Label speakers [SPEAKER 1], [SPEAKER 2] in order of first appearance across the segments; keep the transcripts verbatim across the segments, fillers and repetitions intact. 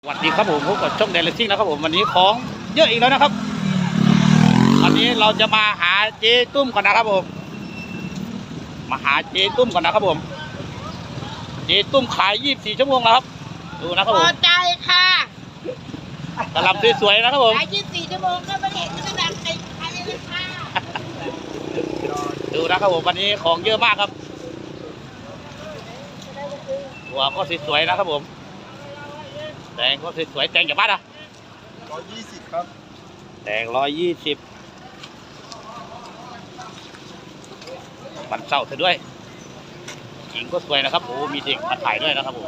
[SPEAKER 1] สวัสดีครับผมพบกับช่องแดนเลสซิ่งนะครับผมวันนี้ของเยอะอีกแล้วนะครับวันนี้เราจะมาหาเจ๊ตุ้มก่อนนะครับผมมาหาเจ๊ตุ้มก่อนนะครับผมเจ๊ตุ้มขายยี่สิบสี่ชั่วโมงแล้วครับดูนะครับ
[SPEAKER 2] พ
[SPEAKER 1] ผ
[SPEAKER 2] อ
[SPEAKER 1] ม
[SPEAKER 2] ใจค่ะ
[SPEAKER 1] กระลำสวยๆนะครับผม
[SPEAKER 2] ขายยี่สิบสี่ชั่วโมงก็ไม่เห็นไม่ดังใครใครเลยค่ะ
[SPEAKER 1] ดูนะครับผมวันนี้ของเยอะมากครับหัวก็สวยๆนะครับผมแตงก็สวยๆแตงจากบ้านอะ
[SPEAKER 3] ร้อยยี่สิบครับ
[SPEAKER 1] แตงร้อยยี่สิบมันเศร้าเธอด้วยหญิงก็สวยนะครับโอ้มีเด็กมาถ่ายด้วยนะครับผม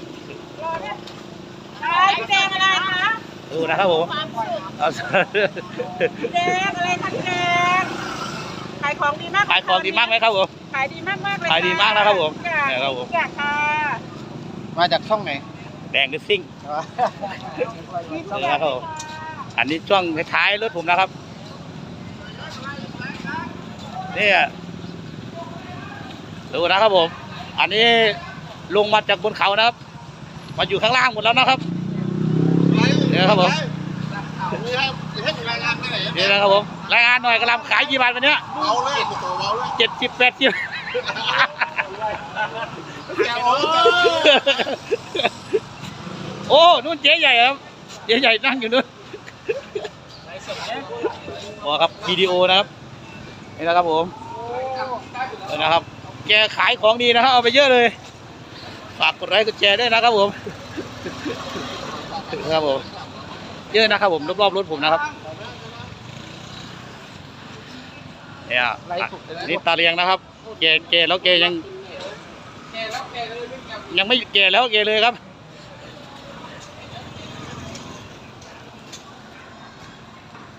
[SPEAKER 2] ขายพี่แดงอะไรคะ
[SPEAKER 1] ดูนะครับผมเอา
[SPEAKER 2] พี่แดงอะไรทักแดงขายของดีมาก
[SPEAKER 1] ขายของดีมากไหมครับผม
[SPEAKER 2] ขายดีมากมากเลย
[SPEAKER 1] ขายดีมากนะครับผม
[SPEAKER 2] อยาก
[SPEAKER 1] เนี่ยครับผม
[SPEAKER 2] อยากค่ะ
[SPEAKER 3] มาจากช่องไหน
[SPEAKER 1] แดงดิซิ่งนี่นะครับผมอันนี้ช่วงท้ายรถผมนะครับนี่ดูนะครับผมอันนี้ลงมาจากบนเขานะครับมาอยู่ข้างล่างหมดแล้วนะครับนี่นะครับผมนี่นะครับผมรายงานหน่อยกระลำขายกี่บาทวันนี้
[SPEAKER 3] เบาเลยโอ้โหเบาเลย
[SPEAKER 1] เจ็ดสิบแปดสิบโอ้นู่นเจ๊ใหญ่ครับเจ๊ใหญ่นั่งอยู่นู่นโอ้ครับวิดีโอนะครับนี่นะครับผมนี่นะครับแกขายของดีนะครับเอาไปเยอะเลยฝากกดไลค์กดแชร์ด้วยนะครับผมนะครับผมเยอะนะครับผมรอบๆรถผมนะครับเนี่ยนี่ตาเลียงนะครับแกแกแล้วแกยังยังไม่แกแล้วแกเลยครับ